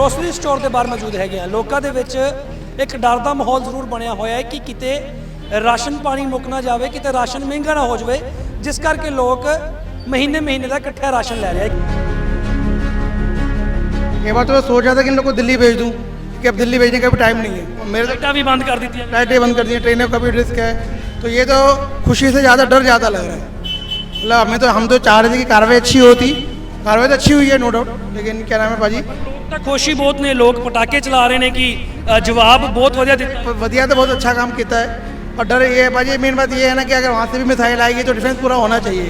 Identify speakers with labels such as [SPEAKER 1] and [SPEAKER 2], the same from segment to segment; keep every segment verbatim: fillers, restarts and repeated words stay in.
[SPEAKER 1] Grocery store ਦੇ ਬਾਹਰ ਮੌਜੂਦ ਹੈਗੇ ਆ। ਲੋਕਾਂ ਦੇ ਵਿੱਚ ਇੱਕ ਡਰ ਦਾ ਮਾਹੌਲ ਜ਼ਰੂਰ ਬਣਿਆ ਹੋਇਆ ਹੈ ਕਿ ਕਿਤੇ ਰਾਸ਼ਨ ਪਾਣੀ ਮੁੱਕ ਨਾ ਜਾਵੇ, ਕਿਤੇ ਰਾਸ਼ਨ ਮਹਿੰਗਾ ਨਾ ਹੋ ਜਾਵੇ, जिस करके लोग महीने महीने का इकट्ठा राशन ले रहे हैं।
[SPEAKER 2] ये बात तो मैं सोच रहा था कि इन लोग को दिल्ली भेज दूँ कि अब दिल्ली भेजने का भी टाइम नहीं है। मेरे
[SPEAKER 1] लाइटें भी बंद कर दी थी,
[SPEAKER 2] लाइटें बंद कर दी, ट्रेनों का भी रिस्क है, तो ये तो खुशी से ज़्यादा डर ज़्यादा लग रहा है। मतलब हमें तो हम तो चाह रहे थे कि कार्रवाई अच्छी होती, कार्रवाई तो अच्छी हुई है नो डाउट, लेकिन क्या नाम है भाजी,
[SPEAKER 1] तो खुशी बहुत ने लोग पटाखे चला रहे हैं कि जवाब बहुत वधिया दिता,
[SPEAKER 2] वधिया तो बहुत अच्छा काम किया है। और डर ये है भाजी, मेन बात ये है ना कि अगर वहाँ से भी मिसाइल आएगी तो डिफेंस पूरा होना चाहिए।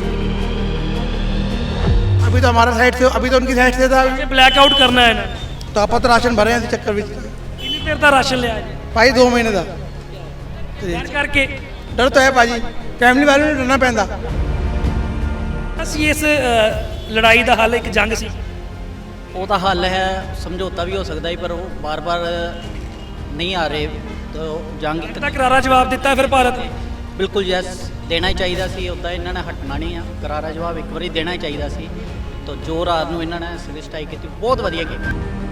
[SPEAKER 2] अभी तो हमारा साइड से, अभी तो उनकी साइड से था,
[SPEAKER 1] ब्लैकआउट करना है ना,
[SPEAKER 2] तो आप तो राशन भरे हैं इस चक्कर में।
[SPEAKER 1] कितनी देर का राशन लिया
[SPEAKER 2] भाई दो महीने का
[SPEAKER 1] डर करके,
[SPEAKER 2] डर तो है भाजी, फैमिली वालों ने डरना पैंदा।
[SPEAKER 1] ਅਸੀਂ ਇਸ ਲੜਾਈ ਦਾ ਹੱਲ ਇੱਕ ਜੰਗ ਸੀ,
[SPEAKER 3] ਉਹਦਾ ਹੱਲ ਹੈ ਸਮਝੌਤਾ ਵੀ ਹੋ ਸਕਦਾ ਹੈ, ਪਰ ਉਹ ਬਾਰ-ਬਾਰ ਨਹੀਂ ਆ ਰਹੇ, ਤਾਂ ਜੰਗ ਇੱਕ
[SPEAKER 1] ਤਾਂ ਕਰਾਰਾ ਜਵਾਬ ਦਿੱਤਾ ਫਿਰ ਭਾਰਤ ਨੇ।
[SPEAKER 3] ਬਿਲਕੁਲ ਯੈਸ ਦੇਣਾ ਹੀ ਚਾਹੀਦਾ ਸੀ, ਉੱਦਾਂ ਇਹਨਾਂ ਨੇ ਹਟਣਾ ਨਹੀਂ ਆ, ਕਰਾਰਾ ਜਵਾਬ ਇੱਕ ਵਾਰੀ ਦੇਣਾ ਹੀ ਚਾਹੀਦਾ ਸੀ। ਤਾਂ ਜੋ ਰਾਤ ਨੂੰ ਇਹਨਾਂ ਨੇ ਸਟ੍ਰਾਈਕ ਕੀਤੀ, ਬਹੁਤ ਵਧੀਆ ਕੀਤੀ।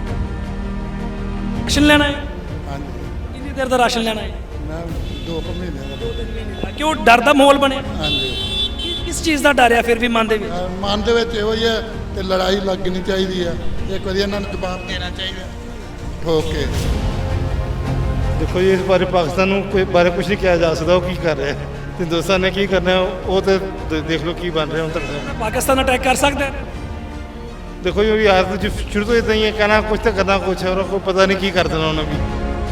[SPEAKER 1] ਰਾਸ਼ਨ ਲੈਣਾ ਹੈ,
[SPEAKER 4] ਹਾਂਜੀ
[SPEAKER 1] ਕਿੰਨੀ ਦੇਰ ਦਾ ਰਾਸ਼ਨ ਲੈਣਾ ਹੈ?
[SPEAKER 4] ਮੈਂ ਦੋ ਕੁ ਮਹੀਨੇ ਦਾ।
[SPEAKER 1] ਕਿਉਂ ਡਰ ਦਾ ਮਾਹੌਲ ਬਣਿਆ?
[SPEAKER 4] ਹਾਂਜੀ
[SPEAKER 1] ਕਿਸ ਚੀਜ਼ ਦਾ ਡਰ ਹੈ ਫਿਰ ਵੀ ਮਨ ਦੇ ਵਿੱਚ?
[SPEAKER 4] ਅਹ ਮਨ ਦੇ ਵਿੱਚ ਇਹੋ ਹੀ ਹੈ ਤੇ ਲੜਾਈ ਲੱਗਣੀ ਚਾਹੀਦੀ ਹੈ, ਇੱਕ ਵਾਰੀ ਇਹਨਾਂ ਨੂੰ ਜਵਾਬ ਦੇਣਾ ਚਾਹੀਦਾ। ਓਕੇ
[SPEAKER 5] देखो जी, इस बारे पाकिस्तान ਨੂੰ ਕੋਈ ਬਾਰੇ ਕੁਝ ਨਹੀਂ ਕਿਹਾ ਜਾ ਸਕਦਾ, ਉਹ ਕੀ ਕਰ ਰਿਹਾ ਹੈ, ਹਿੰਦੁਸਤਾਨ ਨੇ ਕੀ ਕਰਨਾ ਉਹ ਤੇ ਦੇਖ ਲਓ ਕੀ ਬਣ ਰਿਹਾ ਹੁਣ ਤੱਕ।
[SPEAKER 1] ਪਾਕਿਸਤਾਨ ਅਟੈਕ ਕਰ ਸਕਦਾ ਹੈ?
[SPEAKER 5] ਦੇਖੋ ਜੀ ਯਾਰ तो शुरू तो इतना ही है, कहना कुछ तो करना कुछ है, और कोई पता नहीं की कर देना उन्होंने भी।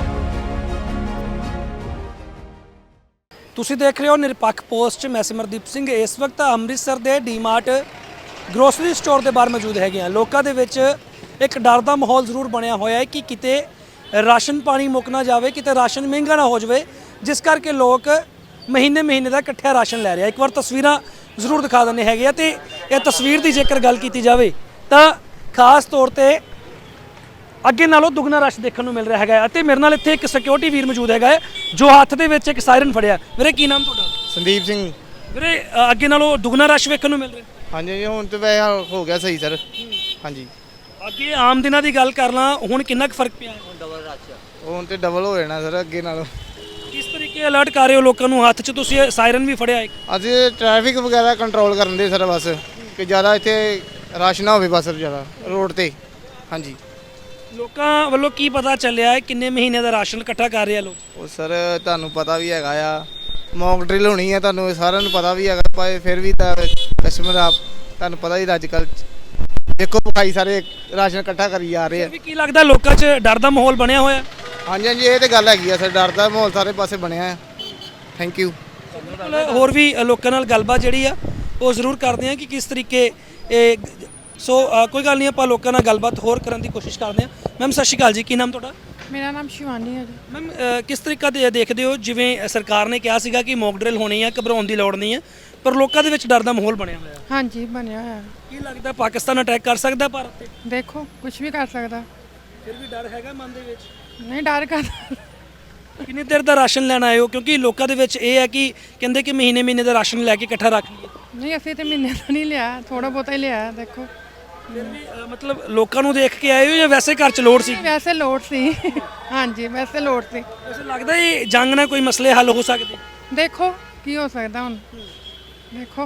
[SPEAKER 1] ਤੁਸੀਂ ਦੇਖ ਰਹੇ ਹੋ ਨਿਰਪੱਖ ਪੋਸਟ, ਮੈਂ ਸਿਮਰਦੀਪ ਸਿੰਘ। ਇਸ ਵਕਤ ਅੰਮ੍ਰਿਤਸਰ ਦੇ ਡੀਮਾਰਟ ਗਰੋਸਰੀ ਸਟੋਰ ਦੇ ਬਾਹਰ ਮੌਜੂਦ ਹੈਗੇ ਆ। ਲੋਕਾਂ ਦੇ ਵਿੱਚ ਇੱਕ ਡਰ ਦਾ ਮਾਹੌਲ ਜ਼ਰੂਰ ਬਣਿਆ ਹੋਇਆ ਹੈ ਕਿ ਕਿਤੇ ਰਾਸ਼ਨ ਪਾਣੀ ਮੁੱਕ ਨਾ ਜਾਵੇ, ਕਿਤੇ ਰਾਸ਼ਨ ਮਹਿੰਗਾ ਨਾ ਹੋ ਜਾਵੇ, ਜਿਸ ਕਰਕੇ ਲੋਕ ਮਹੀਨੇ ਮਹੀਨੇ ਦਾ ਇਕੱਠਾ ਰਾਸ਼ਨ ਲੈ ਰਹੇ ਆ। ਇੱਕ ਵਾਰ ਤਸਵੀਰਾਂ ਜ਼ਰੂਰ ਦਿਖਾ ਦਿੰਦੇ ਹੈਗੇ ਆ, ਤੇ ਇਹ ਤਸਵੀਰ ਦੀ ਜੇਕਰ ਗੱਲ ਕੀਤੀ ਜਾਵੇ ਤਾਂ ਖਾਸ ਤੌਰ ਤੇ ਅੱਗੇ ਨਾਲੋਂ ਦੁੱਗਣਾ ਰਸ਼ ਦੇਖਣ ਨੂੰ ਮਿਲ ਰਿਹਾ ਹੈਗਾ। ਅਤੇ ਮੇਰੇ ਨਾਲ ਇੱਥੇ ਇੱਕ ਸਿਕਿਉਰਿਟੀ ਵੀਰ ਮੌਜੂਦ ਹੈਗਾ ਜੋ ਹੱਥ ਦੇ ਵਿੱਚ ਇੱਕ ਸਾਇਰਨ ਫੜਿਆ। ਵੀਰੇ ਕੀ ਨਾਮ ਤੁਹਾਡਾ?
[SPEAKER 6] ਸੰਦੀਪ ਸਿੰਘ।
[SPEAKER 1] ਵੀਰੇ ਅ, ਅੱਗੇ ਨਾਲੋਂ ਦੁੱਗਣਾ ਰਸ਼ ਵੇਖਣ ਨੂੰ ਮਿਲ ਰਿਹਾ?
[SPEAKER 6] ਹਾਂਜੀ ਹੁਣ ਤੇ ਵੈਸੇ ਹੋ ਗਿਆ ਸਹੀ ਸਰ। ਹਾਂਜੀ
[SPEAKER 1] ਅੱਗੇ ਆਮ ਦਿਨਾਂ ਦੀ ਗੱਲ ਕਰ ਲਾਂ, ਹੁਣ ਕਿੰਨਾ ਕੁ ਫਰਕ ਪਿਆ?
[SPEAKER 6] ਹੁਣ ਤੇ ਡਬਲ ਹੋ ਜਾਣਾ ਸਰ ਅੱਗੇ ਨਾਲੋਂ।
[SPEAKER 1] ਕਿਸ ਤਰੀਕੇ ਅਲਰਟ ਕਰ ਰਹੇ ਹੋ ਲੋਕਾਂ ਨੂੰ? ਹੱਥ 'ਚ ਤੁਸੀਂ ਸਾਇਰਨ ਵੀ ਫੜਿਆ ਇੱਕ।
[SPEAKER 6] ਅਸੀਂ ਟ੍ਰੈਫਿਕ ਵਗੈਰਾ ਕੰਟਰੋਲ ਕਰਨ ਦੇ ਸਰ, ਬਸ ਕਿ ਜ਼ਿਆਦਾ ਇੱਥੇ ਰਸ਼ ਨਾ ਹੋਵੇ ਬਸ ਜ਼ਿਆਦਾ ਰੋਡ ਤੇ। ਹਾਂਜੀ
[SPEAKER 1] ਲੋਕਾਂ ਵੱਲੋਂ ਕੀ ਪਤਾ ਚੱਲਿਆ ਹੈ ਕਿੰਨੇ ਮਹੀਨੇ ਦਾ ਰਾਸ਼ਨ ਇਕੱਠਾ ਕਰ ਰਹੇ ਆ ਲੋਕ?
[SPEAKER 6] ਉਹ ਸਰ ਤੁਹਾਨੂੰ ਪਤਾ ਵੀ ਹੈਗਾ ਆ, ਮੌਕ ਡਰਿਲ ਹੋਣੀ ਹੈ, ਤੁਹਾਨੂੰ ਸਾਰਿਆਂ ਨੂੰ ਪਤਾ ਵੀ ਹੈਗਾ, ਪਰ ਫਿਰ ਵੀ ਤਾਂ ਕਸਟਮਰ ਆਪ ਤੁਹਾਨੂੰ ਪਤਾ ਹੀ ਅੱਜ ਕੱਲ੍ਹ ਦੇਖੋ ਭਾਈ ਸਾਰੇ ਰਾਸ਼ਨ ਇਕੱਠਾ ਕਰੀ ਜਾ ਰਹੇ ਆ।
[SPEAKER 1] ਵੀ ਕੀ ਲੱਗਦਾ ਲੋਕਾਂ 'ਚ ਡਰ ਦਾ ਮਾਹੌਲ ਬਣਿਆ ਹੋਇਆ?
[SPEAKER 6] ਹਾਂਜੀ ਹਾਂਜੀ ਇਹ ਤੇ ਗੱਲ ਹੈਗੀ ਆ ਸਰ, ਡਰ ਦਾ ਮਾਹੌਲ ਸਾਰੇ ਪਾਸੇ ਬਣਿਆ ਹੈ। Thank you.
[SPEAKER 1] ਹੋਰ ਵੀ ਲੋਕਾਂ ਨਾਲ ਗੱਲਬਾਤ ਜਿਹੜੀ ਆ ਉਹ ਜ਼ਰੂਰ ਕਰਦੇ ਆ ਕਿ ਕਿਸ ਤਰੀਕੇ ਇਹ ਸੋ ਅ, ਕੋਈ ਗੱਲ ਨਹੀਂ, ਆਪਾਂ ਲੋਕਾਂ ਨਾਲ ਗੱਲਬਾਤ ਹੋਰ ਕਰਨ ਦੀ ਕੋਸ਼ਿਸ਼ ਕਰਦੇ ਹਾਂ। ਮੈਮ ਸਤਿ ਸ਼੍ਰੀ ਅਕਾਲ ਜੀ, ਕੀ ਨਾਮ ਤੁਹਾਡਾ?
[SPEAKER 7] ਮੇਰਾ ਨਾਮ ਸ਼ਿਵਾਨੀ ਹੈ ਜੀ।
[SPEAKER 1] ਮੈਮ ਅ, ਕਿਸ ਤਰੀਕਾ ਦੇ ਦੇਖਦੇ ਹੋ, ਜਿਵੇਂ ਸਰਕਾਰ ਨੇ ਕਿਹਾ ਸੀਗਾ ਕਿ ਮੌਕ ਡਰਿਲ ਹੋਣੀ ਆ, ਘਬਰਾਉਣ ਦੀ ਲੋੜ ਨਹੀਂ ਹੈ, ਪਰ ਲੋਕਾਂ ਦੇ ਵਿੱਚ ਡਰ ਦਾ ਮਾਹੌਲ ਬਣਿਆ ਹੋਇਆ?
[SPEAKER 7] ਹਾਂਜੀ ਬਣਿਆ ਹੋਇਆ।
[SPEAKER 1] ਕੀ ਲੱਗਦਾ ਪਾਕਿਸਤਾਨ ਅਟੈਕ ਕਰ ਸਕਦਾ ਭਾਰਤ ਤੇ?
[SPEAKER 7] ਦੇਖੋ ਕੁਝ ਵੀ ਕਰ ਸਕਦਾ,
[SPEAKER 1] ਫਿਰ ਵੀ ਡਰ ਹੈਗਾ ਮਨ ਦੇ ਵਿੱਚ?
[SPEAKER 7] ਨਹੀਂ ਡਰ ਕਰਦਾ।
[SPEAKER 1] ਕਿੰਨੀ ਦੇਰ ਦਾ ਰਾਸ਼ਨ ਲੈਣ ਆਏ ਹੋ? ਕਿਉਂਕਿ ਲੋਕਾਂ ਦੇ ਵਿੱਚ ਇਹ ਹੈ ਕਿ ਕਹਿੰਦੇ ਕਿ ਮਹੀਨੇ ਮਹੀਨੇ ਦਾ ਰਾਸ਼ਨ ਲੈ ਕੇ ਇਕੱਠਾ ਰੱਖ ਲਈਏ।
[SPEAKER 7] ਨਹੀਂ ਅਸੀਂ ਤੇ ਮਹੀਨੇ ਦਾ ਨਹੀਂ ਲਿਆ, ਥੋੜਾ ਬਹੁਤਾ ਹੀ ਲਿਆ। ਦੇਖੋ
[SPEAKER 1] ਫਿਰ ਵੀ ਅ, ਮਤਲਬ ਲੋਕਾਂ ਨੂੰ ਦੇਖ ਕੇ ਆਏ ਹੋ ਜਾਂ ਵੈਸੇ ਘਰ 'ਚ ਲੋੜ ਸੀ?
[SPEAKER 7] ਵੈਸੇ ਲੋੜ ਸੀ। ਹਾਂਜੀ ਵੈਸੇ ਲੋੜ ਸੀ।
[SPEAKER 1] ਵੈਸੇ ਲੱਗਦਾ ਇਹ ਜੰਗ ਨਾਲ ਕੋਈ ਮਸਲੇ ਹੱਲ ਹੋ ਸਕਦੇ?
[SPEAKER 7] ਦੇਖੋ ਕੀ ਹੋ ਸਕਦਾ ਹੁਣ, ਦੇਖੋ।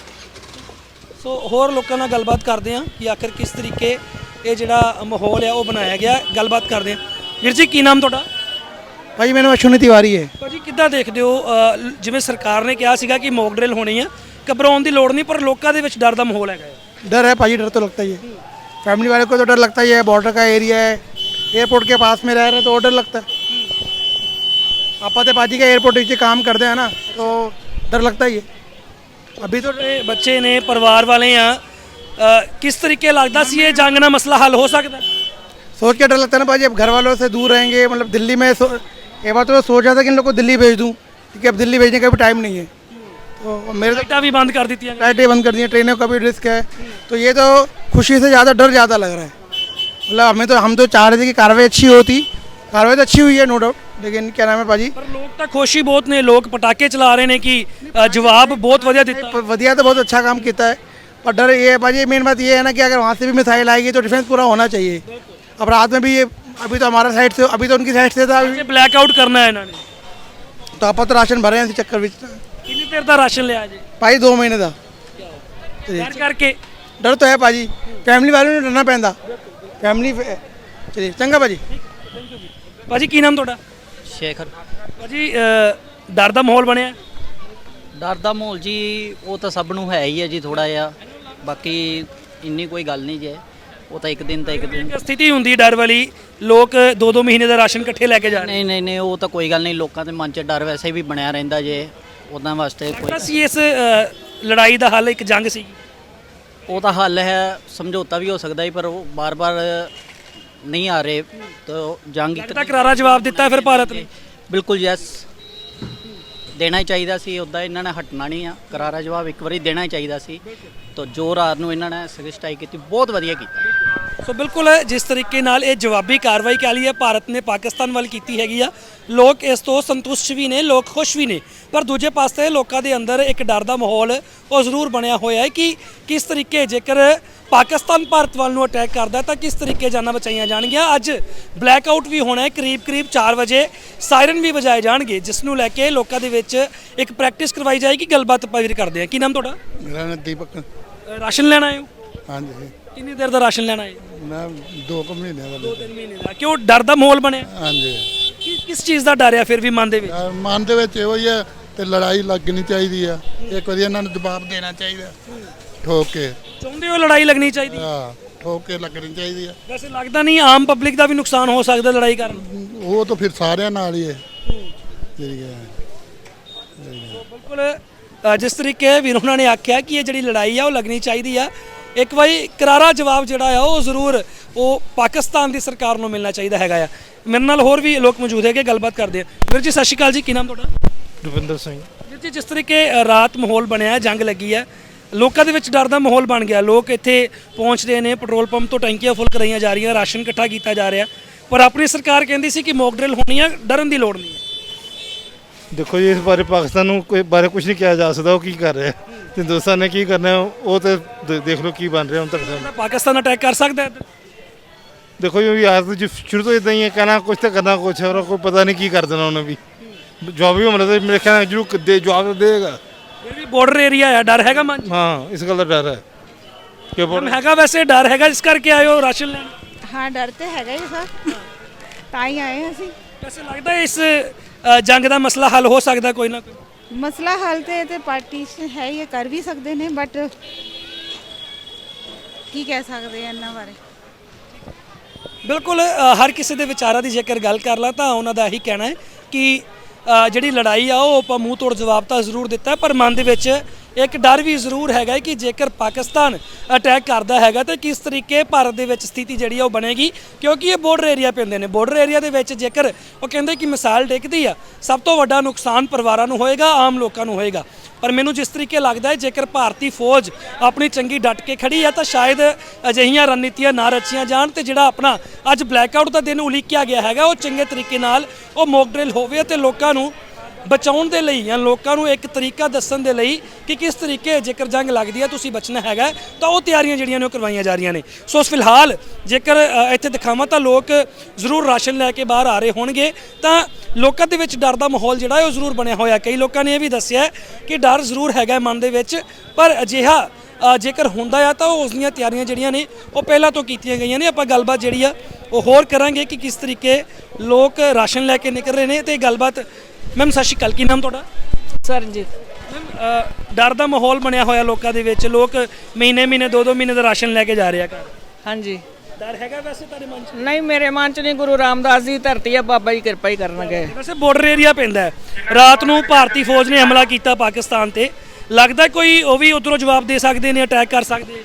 [SPEAKER 1] ਸੋ ਹੋਰ ਲੋਕਾਂ ਨਾਲ ਗੱਲਬਾਤ ਕਰਦੇ ਹਾਂ ਕਿ ਆਖਰ ਕਿਸ ਤਰੀਕੇ ਇਹ ਜਿਹੜਾ ਮਾਹੌਲ ਆ ਉਹ ਬਣਾਇਆ ਗਿਆ। ਗੱਲਬਾਤ ਕਰਦੇ ਹਾਂ। ਵੀਰ ਜੀ ਕੀ ਨਾਮ ਤੁਹਾਡਾ?
[SPEAKER 2] ਭਾਜੀ ਮੈਨੂੰ ਅਸ਼ਵਨੀ ਤਿਵਾਰੀ ਹੈ।
[SPEAKER 1] ਭਾਜੀ ਕਿੱਦਾਂ ਦੇਖਦੇ ਹੋ, ਅ, ਜਿਵੇਂ ਸਰਕਾਰ ਨੇ ਕਿਹਾ ਸੀਗਾ ਕਿ ਮੌਕ ਡਰਿਲ ਹੋਣੀ ਆ, ਘਬਰਾਉਣ ਦੀ ਲੋੜ ਨਹੀਂ, ਪਰ ਲੋਕਾਂ ਦੇ ਵਿੱਚ ਡਰ ਦਾ ਮਾਹੌਲ ਹੈਗਾ?
[SPEAKER 2] डर है भाजी, डर तो लगता ही है, फैमिली वाले को तो डर लगता ही है। बॉर्डर का एरिया है, एयरपोर्ट के पास में रह रहे तो और डर लगता है। आपा तो भाजी का एयरपोर्ट नीचे काम करते हैं ना, तो डर लगता ही है। अभी तो
[SPEAKER 1] ਇਹ ਬੱਚੇ ਨੇ, ਪਰਿਵਾਰ ਵਾਲੇ ਆ, ਅ, ਕਿਸ ਤਰੀਕੇ ਲੱਗਦਾ ਸੀ ਇਹ ਜੰਗ ਨਾਲ ਮਸਲਾ ਹੱਲ ਹੋ ਸਕਦਾ?
[SPEAKER 2] सोच के डर लगता है ना भाजी, अब घर वालों से दूर रहेंगे, मतलब दिल्ली में सो, एक बार तो मैं सोच रहा था कि इन लोग को दिल्ली भेज दूँ, क्योंकि अब दिल्ली भेजने का भी टाइम नहीं है। तो मेरे तो
[SPEAKER 1] ਲਾਈਟਾਂ ਵੀ ਬੰਦ ਕਰ ਦਿੱਤੀਆਂ ਗਈਆਂ।
[SPEAKER 2] लाइटें बंद कर दी हैं, ट्रेनों का भी रिस्क है, तो ये तो खुशी से ज़्यादा डर ज़्यादा लग रहा है। मतलब हमें तो हम तो चाह रहे थे कि कार्रवाई अच्छी होती, कार्रवाई तो अच्छी हुई है नो डाउट, लेकिन क्या नाम है भाजी,
[SPEAKER 1] ਪਰ ਲੋਕ ਤਾਂ ਖੁਸ਼ ਹੀ ਬਹੁਤ ਨੇ, ਲੋਕ ਪਟਾਕੇ ਚਲਾ ਰਹੇ ਨੇ ਕਿ ਅ, ਜਵਾਬ बहुत ਵਧੀਆ ਦਿੱਤਾ।
[SPEAKER 2] वधिया तो बहुत अच्छा काम किया है, पर डर ये है भाजी, मेन बात ये है ना कि अगर वहाँ से भी मिसाइल आएगी तो डिफेंस पूरा होना चाहिए। अब रात में भी ये अभी तो हमारा साइड से अभी तो उनकी साइड से था अभी,
[SPEAKER 1] ਬਲੈਕ ਆਊਟ ਕਰਨਾ ਹੈ ਇਹਨਾਂ ਨੇ
[SPEAKER 2] तो आप तो राशन भरे हैं इसी चक्कर में
[SPEAKER 1] ਕਿੰਨੀ ਦੇਰ ਦਾ ਰਾਸ਼ਨ ਲਿਆ ਜੀ
[SPEAKER 2] भाई दो महीने का
[SPEAKER 1] ਡਰ ਕਰਕੇ
[SPEAKER 2] डर तो है भाजी फैमिली वालों ने डरना पैंदा फैमिली चलिए चंगा भाजी
[SPEAKER 1] ਭਾਜੀ ਕੀ ਨਾਮ ਤੁਹਾਡਾ
[SPEAKER 3] ਸ਼ੇਖਰ
[SPEAKER 1] ਭਾਜੀ ਅ, ਡਰ ਦਾ ਮਾਹੌਲ ਬਣਿਆ
[SPEAKER 3] ਡਰ ਦਾ ਮਾਹੌਲ ਜੀ ਉਹ ਤਾਂ ਸਭ ਨੂੰ ਹੈ ਹੀ ਹੈ ਜੀ ਥੋੜਾ ਜਿਹਾ ਬਾਕੀ ਇੰਨੀ ਕੋਈ ਗੱਲ ਨਹੀਂ ਜੇ ਉਹ ਤਾਂ ਇੱਕ ਦਿਨ ਤਾਂ ਇੱਕ ਦਿਨ
[SPEAKER 1] ਇੱਕ ਸਥਿਤੀ ਹੁੰਦੀ ਡਰ ਵਾਲੀ ਲੋਕ ਦੋ ਦੋ ਮਹੀਨੇ ਦਾ ਰਾਸ਼ਨ ਇਕੱਠੇ ਲੈ ਕੇ ਜਾ ਰਹੇ
[SPEAKER 3] ਨਹੀਂ ਨਹੀਂ ਨਹੀਂ ਉਹ ਤਾਂ ਕੋਈ ਗੱਲ ਨਹੀਂ ਲੋਕਾਂ ਦੇ ਮਨ 'ਚ ਡਰ ਵੈਸੇ ਵੀ ਬਣਿਆ ਰਹਿੰਦਾ ਜੇ ਉਹਨਾਂ ਵਾਸਤੇ ਕੋਈ
[SPEAKER 1] ਸੀ ਇਸ ਅ, ਲੜਾਈ ਦਾ ਹੱਲ ਇੱਕ ਜੰਗ ਸੀ
[SPEAKER 3] ਉਹ ਤਾਂ ਹੱਲ ਹੈ ਸਮਝੌਤਾ ਵੀ ਹੋ ਸਕਦਾ ਹੈ ਪਰ ਉਹ ਬਾਰ-ਬਾਰ ਨਹੀਂ ਆ ਰਹੇ ਤਾਂ ਜੰਗ ਇੱਕ
[SPEAKER 1] ਤਾਂ ਕਰਾਰਾ ਜਵਾਬ ਦਿੱਤਾ ਫਿਰ ਭਾਰਤ ਨੇ
[SPEAKER 3] ਬਿਲਕੁਲ ਯੈਸ ਦੇਣਾ ਹੀ ਚਾਹੀਦਾ ਸੀ ਉੱਦਾਂ ਇਹਨਾਂ ਨੇ ਹਟਣਾ ਨਹੀਂ ਆ ਕਰਾਰਾ ਜਵਾਬ ਇੱਕ ਵਾਰੀ ਦੇਣਾ ਹੀ ਚਾਹੀਦਾ ਸੀ ਤਾਂ ਜੋ ਰਾਤ ਨੂੰ ਇਹਨਾਂ ਨੇ ਸਟ੍ਰਾਈਕ ਕੀਤੀ ਬਹੁਤ ਵਧੀਆ ਕੀਤਾ
[SPEAKER 1] ਸੋ ਬਿਲਕੁਲ ਜਿਸ ਤਰੀਕੇ ਨਾਲ ਇਹ ਜਵਾਬੀ ਕਾਰਵਾਈ ਕਹਿ ਲਈ ਹੈ ਭਾਰਤ ਨੇ ਪਾਕਿਸਤਾਨ ਵੱਲ ਕੀਤੀ ਹੈਗੀ ਆ ਲੋਕ ਇਸ ਤੋਂ ਸੰਤੁਸ਼ਟ ਵੀ ਨੇ ਲੋਕ ਖੁਸ਼ ਵੀ ਨੇ ਪਰ ਦੂਜੇ ਪਾਸੇ ਲੋਕਾਂ ਦੇ ਅੰਦਰ ਇੱਕ ਡਰ ਦਾ ਮਾਹੌਲ ਉਹ ਜ਼ਰੂਰ ਬਣਿਆ ਹੋਇਆ ਹੈ ਕਿ ਕਿਸ ਤਰੀਕੇ ਜੇਕਰ ਪਾਕਿਸਤਾਨ ਭਾਰਤ ਵੱਲ ਨੂੰ ਅਟੈਕ ਕਰਦਾ ਤਾਂ ਕਿਸ ਤਰੀਕੇ ਜਾਨਾਂ ਬਚਾਈਆਂ ਜਾਣਗੀਆਂ ਅੱਜ ਬਲੈਕ ਆਊਟ ਵੀ ਹੋਣਾ ਹੈ ਕਰੀਬ ਕਰੀਬ ਚਾਰ ਵਜੇ ਸਾਇਰਨ ਵੀ ਵਜਾਏ ਜਾਣਗੇ ਜਿਸ ਨੂੰ ਲੈ ਕੇ ਲੋਕਾਂ ਦੇ ਵਿੱਚ ਇੱਕ ਪ੍ਰੈਕਟਿਸ ਕਰਵਾਈ ਜਾਏਗੀ ਗੱਲਬਾਤ ਆਪਾਂ ਵੀਰ ਕਰਦੇ ਹਾਂ ਕੀ ਨਾਮ ਤੁਹਾਡਾ
[SPEAKER 4] ਮੇਰਾ ਨਾਮ ਦੀਪਕ
[SPEAKER 1] ਅ, ਰਾਸ਼ਨ ਲੈਣ ਆਏ ਹੋ
[SPEAKER 4] ਹਾਂਜੀ
[SPEAKER 1] ਕਿੰਨੀ ਦੇਰ ਦਾ ਰਾਸ਼ਨ ਲੈਣਾ ਹੈ
[SPEAKER 4] ਮੈਂ ਦੋ ਕੁ ਮਹੀਨਿਆਂ ਦਾ ਲਿਆ।
[SPEAKER 1] ਤਿੰਨ ਮਹੀਨੇ ਦਾ ਕਿਉਂ ਡਰ ਦਾ ਮਾਹੌਲ ਬਣਿਆ
[SPEAKER 4] ਹਾਂਜੀ
[SPEAKER 1] ਕਿ ਕਿਸ ਚੀਜ਼ ਦਾ ਡਰ ਆ ਫਿਰ ਵੀ ਮਨ ਦੇ ਵਿੱਚ
[SPEAKER 4] ਅਹ ਮਨ ਦੇ ਵਿੱਚ ਇਹੋ ਹੀ ਹੈ ਤੇ ਲੜਾਈ ਲੱਗਣੀ ਚਾਹੀਦੀ ਆ ਇੱਕ ਵਾਰੀ ਇਹਨਾਂ ਨੂੰ ਜਵਾਬ ਦੇਣਾ ਚਾਹੀਦਾ ਠੋਕ ਕੇ
[SPEAKER 1] ਚਾਹੁੰਦੇ ਹੋ ਲੜਾਈ ਲੱਗਣੀ ਚਾਹੀਦੀ
[SPEAKER 4] ਹਾਂ ਠੋਕ ਕੇ ਲੱਗਣੀ ਚਾਹੀਦੀ ਆ
[SPEAKER 1] ਵੈਸੇ ਲੱਗਦਾ ਨਹੀਂ ਆਮ ਪਬਲਿਕ ਦਾ ਵੀ ਨੁਕਸਾਨ ਹੋ ਸਕਦਾ ਲੜਾਈ ਕਾਰਨ
[SPEAKER 4] ਉਹ ਤਾਂ ਫਿਰ ਸਾਰਿਆਂ ਨਾਲ ਹੀ ਹੈ ਜਿਹੜੀ ਹੈ
[SPEAKER 1] ਬਿਲਕੁਲ ਅ, ਜਿਸ ਤਰੀਕੇ ਵੀਰ ਉਹਨਾਂ ਨੇ ਆਖਿਆ ਕਿ ਇਹ ਜਿਹੜੀ ਲੜਾਈ ਆ ਉਹ ਲੱਗਣੀ ਚਾਹੀਦੀ ਆ ਇੱਕ ਵਾਰੀ ਕਰਾਰਾ ਜਵਾਬ ਜਿਹੜਾ ਆ ਉਹ ਜ਼ਰੂਰ ਉਹ ਪਾਕਿਸਤਾਨ ਦੀ ਸਰਕਾਰ ਨੂੰ ਮਿਲਣਾ ਚਾਹੀਦਾ ਹੈਗਾ ਆ ਮੇਰੇ ਨਾਲ ਹੋਰ ਵੀ ਲੋਕ ਮੌਜੂਦ ਹੈਗੇ ਗੱਲਬਾਤ ਕਰਦੇ ਆ ਵੀਰ ਜੀ ਸਤਿ ਸ਼੍ਰੀ ਅਕਾਲ ਜੀ ਕੀ ਨਾਮ ਤੁਹਾਡਾ
[SPEAKER 5] ਰੁਪਿੰਦਰ ਸਿੰਘ
[SPEAKER 1] ਵੀਰ ਜੀ ਜਿਸ ਤਰੀਕੇ ਅ, ਰਾਤ ਮਾਹੌਲ ਬਣਿਆ ਜੰਗ ਲੱਗੀ ਆ ਲੋਕਾਂ ਦੇ ਵਿੱਚ ਡਰ ਦਾ ਮਾਹੌਲ ਬਣ ਗਿਆ ਲੋਕ ਇੱਥੇ ਪਹੁੰਚਦੇ ਨੇ ਪੈਟਰੋਲ ਪੰਪ ਤੋਂ ਟੈਂਕੀਆਂ ਫੁੱਲ ਕਰਾਈਆਂ ਜਾ ਰਹੀਆਂ ਰਾਸ਼ਨ ਇਕੱਠਾ ਕੀਤਾ ਜਾ ਰਿਹਾ ਪਰ ਆਪਣੀ ਸਰਕਾਰ ਕਹਿੰਦੀ ਸੀ ਕਿ ਮੌਕ ਡਰਿਲ ਹੋਣੀ ਆ ਡਰਨ ਦੀ ਲੋੜ ਨਹੀਂ ਹੈ
[SPEAKER 5] ਦੇਖੋ ਜੀ ਇਸ ਬਾਰੇ ਪਾਕਿਸਤਾਨ ਨੂੰ ਕੋਈ ਬਾਰੇ ਕੁਝ ਨਹੀਂ ਕਿਹਾ ਜਾ ਸਕਦਾ ਉਹ ਕੀ ਕਰ ਰਿਹਾ ਤੇ ਹਿੰਦੁਸਤਾਨ ਨੇ ਕੀ ਕਰਨਾ ਉਹ ਤੇ ਦੇ- ਦੇਖ ਲਓ ਕੀ ਬਣ ਰਿਹਾ ਹੁਣ ਤੱਕ ਸਾਨੂੰ।
[SPEAKER 1] ਤਾਂ ਪਾਕਿਸਤਾਨ ਅਟੈਕ ਕਰ ਸਕਦਾ ਹੈ ਇੱਧਰ?
[SPEAKER 5] ਦੇਖੋ ਜੀ ਯਾਰ तो ਸ਼ੁਰੂ ਤੋਂ ਇਦਾਂ ਹੀ ਹੈ ਕਹਿਣਾ ਕੁਝ ਤੇ ਕਰਨਾ ਕੁਝ ਹੋਰ ਕੋਈ ਪਤਾ ਨਹੀਂ ਕੀ ਕਰ ਦੇਣਾ ਉਹਨੇ ਵੀ ਜਵਾਬ ਵੀ ਹਮਲਾ ਤੇ ਮੇਰੇ ਖਿਆਲ ਨਾਲ ਜ਼ਰੂਰ ਦੇ ਜਵਾਬ ਦੇਗਾ
[SPEAKER 1] ਇਹ ਵੀ ਬਾਰਡਰ ਏਰੀਆ ਆ ਡਰ ਹੈਗਾ ਮਨ 'ਚ?
[SPEAKER 5] ਹਾਂ ਇਸ ਗੱਲ ਦਾ ਡਰ ਹੈ ਕਿ
[SPEAKER 1] ਮੈਮ ਹੈਗਾ ਵੈਸੇ ਡਰ ਹੈਗਾ ਜਿਸ ਕਰਕੇ ਆਏ ਹੋ ਰਾਸ਼ਨ ਲੈਣ
[SPEAKER 8] ਹਾਂ ਡਰ ਤੇ ਹੈਗਾ ਹੀ ਸਰ ਤਾਂ ਹੀ ਆਏ ਹਾਂ ਅਸੀਂ
[SPEAKER 1] ਵੈਸੇ ਲੱਗਦਾ ਹੈ ਇਸ ਅ, ਜੰਗ ਦਾ ਮਸਲਾ ਹੱਲ ਹੋ ਸਕਦਾ ਕੋਈ ਨਾ ਕੋਈ
[SPEAKER 8] ਮਸਲਾ ਹੱਲ ਤੇ ਤੇ ਪਾਰਟੀਸ਼ਨ ਹੈ ਹੀ ਹੈ, ਕਰ ਵੀ ਸਕਦੇ ਨੇ ਬਟ ਕੀ ਕਹਿ ਸਕਦੇ ਆ ਇਹਨਾਂ ਬਾਰੇ
[SPEAKER 1] ਬਿਲਕੁਲ ਅ, ਹਰ ਕਿਸੇ ਦੇ ਵਿਚਾਰਾਂ ਦੀ ਜੇਕਰ ਗੱਲ ਕਰ ਲਾ ਤਾਂ ਉਹਨਾਂ ਦਾ ਇਹੀ ਕਹਿਣਾ ਹੈ ਕਿ ਅ, ਜਿਹੜੀ ਲੜਾਈ ਆ ਉਹ ਆਪਾਂ ਮੂੰਹ ਤੋੜ ਜਵਾਬ ਤਾਂ ਜ਼ਰੂਰ ਦਿੱਤਾ ਪਰ ਮਨ ਦੇ ਵਿੱਚ ਇੱਕ ਡਰ ਵੀ ਜ਼ਰੂਰ ਹੈਗਾ ਕਿ ਜੇਕਰ ਪਾਕਿਸਤਾਨ ਅਟੈਕ ਕਰਦਾ ਹੈਗਾ ਤਾਂ ਕਿਸ ਤਰੀਕੇ ਭਾਰਤ ਦੇ ਵਿੱਚ ਸਥਿਤੀ ਜਿਹੜੀ ਆ ਉਹ ਬਣੇਗੀ ਕਿਉਂਕਿ ਇਹ ਬਾਰਡਰ ਏਰੀਆ ਪੈਂਦੇ ਨੇ ਬਾਰਡਰ ਏਰੀਆ ਦੇ ਵਿੱਚ ਜੇਕਰ ਉਹ ਕਹਿੰਦੇ ਕਿ ਮਿਸਾਈਲ ਡਿੱਗਦੀ ਆ ਸਭ ਤੋਂ ਵੱਡਾ ਨੁਕਸਾਨ ਪਰਿਵਾਰਾਂ ਨੂੰ ਹੋਏਗਾ ਆਮ ਲੋਕਾਂ ਨੂੰ ਹੋਏਗਾ ਪਰ ਮੈਨੂੰ ਜਿਸ ਤਰੀਕੇ ਲੱਗਦਾ ਹੈ ਜੇਕਰ ਭਾਰਤੀ ਫੌਜ ਆਪਣੀ ਚੰਗੀ ਡਟ ਕੇ ਖੜੀ ਹੈ ਤਾਂ ਸ਼ਾਇਦ ਅਜਿਹੀਆਂ ਰਣਨੀਤੀਆਂ ਨਾ ਰਚੀਆਂ ਜਾਣ ਤੇ ਜਿਹੜਾ ਆਪਣਾ ਅੱਜ ਬਲੈਕਆਊਟ ਦਾ ਦਿਨ ਉਲੀਕਿਆ ਗਿਆ ਹੈਗਾ ਉਹ ਚੰਗੇ ਤਰੀਕੇ ਨਾਲ ਉਹ ਮੌਕ ਡਰਿਲ ਹੋਵੇ ਤੇ ਲੋਕਾਂ ਨੂੰ ਬਚਾਉਣ ਦੇ ਲਈ ਜਾਂ ਲੋਕਾਂ ਨੂੰ ਇੱਕ ਤਰੀਕਾ ਦੱਸਣ ਦੇ ਲਈ ਕਿ ਕਿਸ ਤਰੀਕੇ ਜੇਕਰ ਜੰਗ ਲੱਗਦੀ ਹੈ ਤੁਸੀਂ ਬਚਣਾ ਹੈਗਾ ਤਾਂ ਉਹ ਤਿਆਰੀਆਂ ਜਿਹੜੀਆਂ ਨੇ ਉਹ ਕਰਵਾਈਆਂ ਜਾ ਰਹੀਆਂ ਨੇ ਸੋ ਫਿਲਹਾਲ ਜੇਕਰ ਅ, ਇੱਥੇ ਦਿਖਾਵਾਂ ਤਾਂ ਲੋਕ ਜ਼ਰੂਰ ਰਾਸ਼ਨ ਲੈ ਕੇ ਬਾਹਰ ਆ ਰਹੇ ਹੋਣਗੇ ਤਾਂ ਲੋਕਾਂ ਦੇ ਵਿੱਚ ਡਰ ਦਾ ਮਾਹੌਲ ਜਿਹੜਾ ਹੈ ਉਹ ਜ਼ਰੂਰ ਬਣਿਆ ਹੋਇਆ ਕਈ ਲੋਕਾਂ ਨੇ ਇਹ ਵੀ ਦੱਸਿਆ ਕਿ ਡਰ ਜ਼ਰੂਰ ਹੈਗਾ ਮਨ ਦੇ ਵਿੱਚ ਪਰ ਅਜਿਹਾ ਅ, ਜੇਕਰ ਹੁੰਦਾ ਆ ਤਾਂ ਉਸ ਦੀਆਂ ਤਿਆਰੀਆਂ ਜਿਹੜੀਆਂ ਨੇ ਉਹ ਪਹਿਲਾਂ ਤੋਂ ਕੀਤੀਆਂ ਗਈਆਂ ਨੇ ਆਪਾਂ ਗੱਲਬਾਤ ਜਿਹੜੀ ਆ ਉਹ ਹੋਰ ਕਰਾਂਗੇ ਕਿ ਕਿਸ ਤਰੀਕੇ ਲੋਕ ਰਾਸ਼ਨ ਲੈ ਕੇ ਨਿਕਲ ਰਹੇ ਨੇ ਤੇ ਗੱਲਬਾਤ ਮੈਮ ਸਤਿ ਸ਼੍ਰੀ ਅਕਾਲ ਕੀ ਨਾਮ ਤੁਹਾਡਾ
[SPEAKER 9] ਸਰਨਜੀਤ
[SPEAKER 1] ਮੈਮ ਡਰ ਦਾ ਮਾਹੌਲ ਬਣਿਆ ਹੋਇਆ ਲੋਕਾਂ ਦੇ ਵਿੱਚ ਲੋਕ ਮਹੀਨੇ ਮਹੀਨੇ ਦੋ ਦੋ ਮਹੀਨੇ ਦਾ ਰਾਸ਼ਨ ਲੈ ਕੇ ਜਾ ਰਹੇ ਆ ਘਰ
[SPEAKER 9] ਹਾਂਜੀ
[SPEAKER 1] ਡਰ ਹੈਗਾ ਵੈਸੇ ਤੁਹਾਡੇ ਮਨ 'ਚ
[SPEAKER 9] ਨਹੀਂ ਮੇਰੇ ਮਨ ਚ ਨਹੀਂ ਗੁਰੂ ਰਾਮਦਾਸ ਦੀ ਧਰਤੀ ਆ ਬਾਬਾ ਜੀ ਕਿਰਪਾ ਹੀ ਕਰਨਗੇ
[SPEAKER 1] ਵੈਸੇ ਬਾਰਡਰ ਏਰੀਆ ਪੈਂਦਾ ਹੈ ਰਾਤ ਨੂੰ ਭਾਰਤੀ ਫੌਜ ਨੇ ਹਮਲਾ ਕੀਤਾ ਪਾਕਿਸਤਾਨ ਤੇ ਲੱਗਦਾ ਕੋਈ ਉਹ ਵੀ ਉਧਰੋਂ ਜਵਾਬ ਦੇ ਸਕਦੇ ਨੇ ਅਟੈਕ ਕਰ ਸਕਦੇ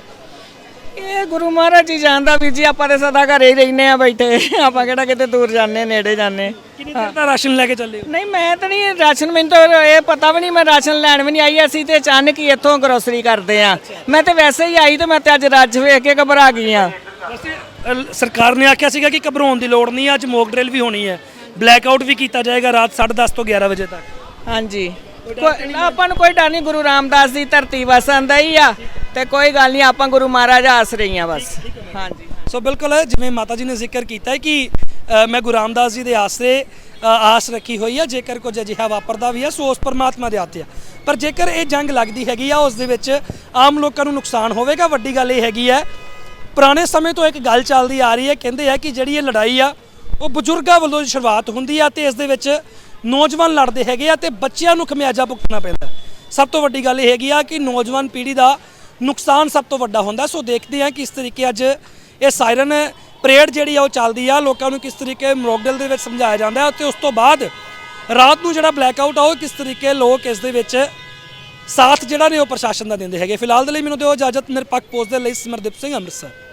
[SPEAKER 9] ਇਹ ਗੁਰੂ ਮਹਾਰਾਜ ਜੀ ਜਾਣਦਾ ਵੀ ਜੀ ਆਪਾਂ ਤੇ ਸਦਾ ਘਰੇ ਹੀ ਰਹਿੰਦੇ ਆ ਬੈਠੇ ਆਪਾਂ ਕਿਹੜਾ ਕਿਤੇ ਦੂਰ ਜਾਂਦੇ ਨੇੜੇ ਜਾਂਦੇ
[SPEAKER 1] ਕਿੰਨੀ ਦੇਰ ਦਾ ਰਾਸ਼ਨ ਲੈ ਕੇ ਚੱਲੇ ਹੋ
[SPEAKER 9] ਨਹੀਂ ਮੈਂ ਤਾਂ ਨਹੀਂ ਰਾਸ਼ਨ ਮੈਨੂੰ ਤਾਂ ਇਹ ਪਤਾ ਵੀ ਨਹੀਂ ਮੈਂ ਰਾਸ਼ਨ ਲੈਣ ਵੀ ਨਹੀਂ ਆਈ ਅਸੀਂ ਤੇ ਅਚਾਨਕ ਹੀ ਇੱਥੋਂ ਗਰੋਸਰੀ ਕਰਦੇ ਆ ਮੈਂ ਤੇ ਵੈਸੇ ਹੀ ਆਈ ਤੇ ਮੈਂ ਤੇ ਅੱਜ ਰੱਜ ਵੇਖ ਕੇ ਘਬਰਾ ਗਈ ਆ
[SPEAKER 1] ਵੈਸੇ ਅ, ਸਰਕਾਰ ਨੇ ਆਖਿਆ ਸੀਗਾ ਕਿ ਘਬਰਾਉਣ ਦੀ ਲੋੜ ਨਹੀਂ ਅੱਜ ਮੌਕ ਡਰਿਲ ਵੀ ਹੋਣੀ ਹੈ ਬਲੈਕ ਆਊਟ ਵੀ ਕੀਤਾ ਜਾਏਗਾ ਰਾਤ ਸਾਢੇ ਦਸ ਤੋਂ ਗਿਆਰਾਂ ਵਜੇ ਤੱਕ
[SPEAKER 9] ਹਾਂਜੀ ਕੋਈ ਆਪਾਂ ਨੂੰ ਕੋਈ ਡਰ ਨਹੀਂ ਗੁਰੂ ਰਾਮਦਾਸ ਦੀ ਧਰਤੀ ਵਸਣ ਦਾ ਹੀ ਆ ਤੇ ਕੋਈ ਗੱਲ ਨਹੀਂ ਆਪਾਂ ਗੁਰੂ ਮਹਾਰਾਜ ਆਸ ਰਹੀ ਆ ਬਸ ਹਾਂਜੀ
[SPEAKER 1] ਸੋ ਬਿਲਕੁਲ ਜਿਵੇਂ ਮਾਤਾ ਜੀ ਨੇ ਜ਼ਿਕਰ ਕੀਤਾ ਹੈ ਕਿ ਅ, ਮੈਂ ਗੁਰੂ ਰਾਮਦਾਸ ਜੀ ਦੇ ਆਸਰੇ ਅ, ਆਸ ਰੱਖੀ ਹੋਈ ਹੈ, ਜੇਕਰ ਕੁਝ ਅਜਿਹਾ ਵਾਪਰਦਾ ਵੀ ਹੈ ਸੋ ਉਸ ਪਰਮਾਤਮਾ ਦੇ ਹੱਥ ਆ। ਪਰ ਜੇਕਰ ਇਹ ਜੰਗ ਲੱਗਦੀ ਹੈਗੀ ਆ ਉਸ ਦੇ ਵਿੱਚ ਆਮ ਲੋਕਾਂ ਨੂੰ ਨੁਕਸਾਨ ਹੋਵੇਗਾ। ਵੱਡੀ ਗੱਲ ਇਹ ਹੈਗੀ ਹੈ, ਪੁਰਾਣੇ ਸਮੇਂ ਤੋਂ ਇੱਕ ਗੱਲ ਚੱਲਦੀ ਆ ਰਹੀ ਹੈ, ਕਹਿੰਦੇ ਆ ਕਿ ਜਿਹੜੀ ਇਹ ਲੜਾਈ ਆ ਉਹ ਬਜ਼ੁਰਗਾਂ ਵੱਲੋਂ ਸ਼ੁਰੂਆਤ ਹੁੰਦੀ ਆ ਤੇ ਇਸ ਦੇ ਵਿੱਚ ਨੌਜਵਾਨ ਲੜਦੇ ਹੈਗੇ ਆ ਤੇ ਬੱਚਿਆਂ ਨੂੰ ਖਮਿਆਜਾ ਭੁਗਤਣਾ ਪੈਂਦਾ। ਸਭ ਤੋਂ ਵੱਡੀ ਗੱਲ ਇਹ ਹੈਗੀ ਆ ਕਿ ਨੌਜਵਾਨ ਪੀੜ੍ਹੀ ਦਾ ਨੁਕਸਾਨ ਸਭ ਤੋਂ ਵੱਡਾ ਹੁੰਦਾ। ਸੋ ਦੇਖਦੇ ਆ ਕਿਸ ਤਰੀਕੇ ਅੱਜ ਇਹ ਸਾਇਰਨ ਪਰੇਡ ਜਿਹੜੀ ਆ ਉਹ ਚੱਲਦੀ ਆ, ਲੋਕਾਂ ਨੂੰ ਕਿਸ ਤਰੀਕੇ ਮੋਕਡਿਲ ਦੇ ਵਿੱਚ ਸਮਝਾਇਆ ਜਾਂਦਾ ਹੈ ਤੇ ਉਸ ਤੋਂ ਬਾਅਦ ਰਾਤ ਨੂੰ ਜਿਹੜਾ ਬਲੈਕ ਆਊਟ ਆ ਉਹ ਕਿਸ ਤਰੀਕੇ ਲੋਕ ਇਸ ਦੇ ਵਿੱਚ ਸਾਥ ਜਿਹੜਾ ਨੇ ਉਹ ਪ੍ਰਸ਼ਾਸਨ ਦਾ ਦਿੰਦੇ ਹੈਗੇ। ਫਿਲਹਾਲ ਦੇ ਲਈ ਮੈਨੂੰ ਦਿਓ ਇਜਾਜ਼ਤ। ਨਿਰਪੱਖ ਪੋਸਟ ਦੇ ਲਈ ਸਿਮਰਦੀਪ ਸਿੰਘ, ਅੰਮ੍ਰਿਤਸਰ।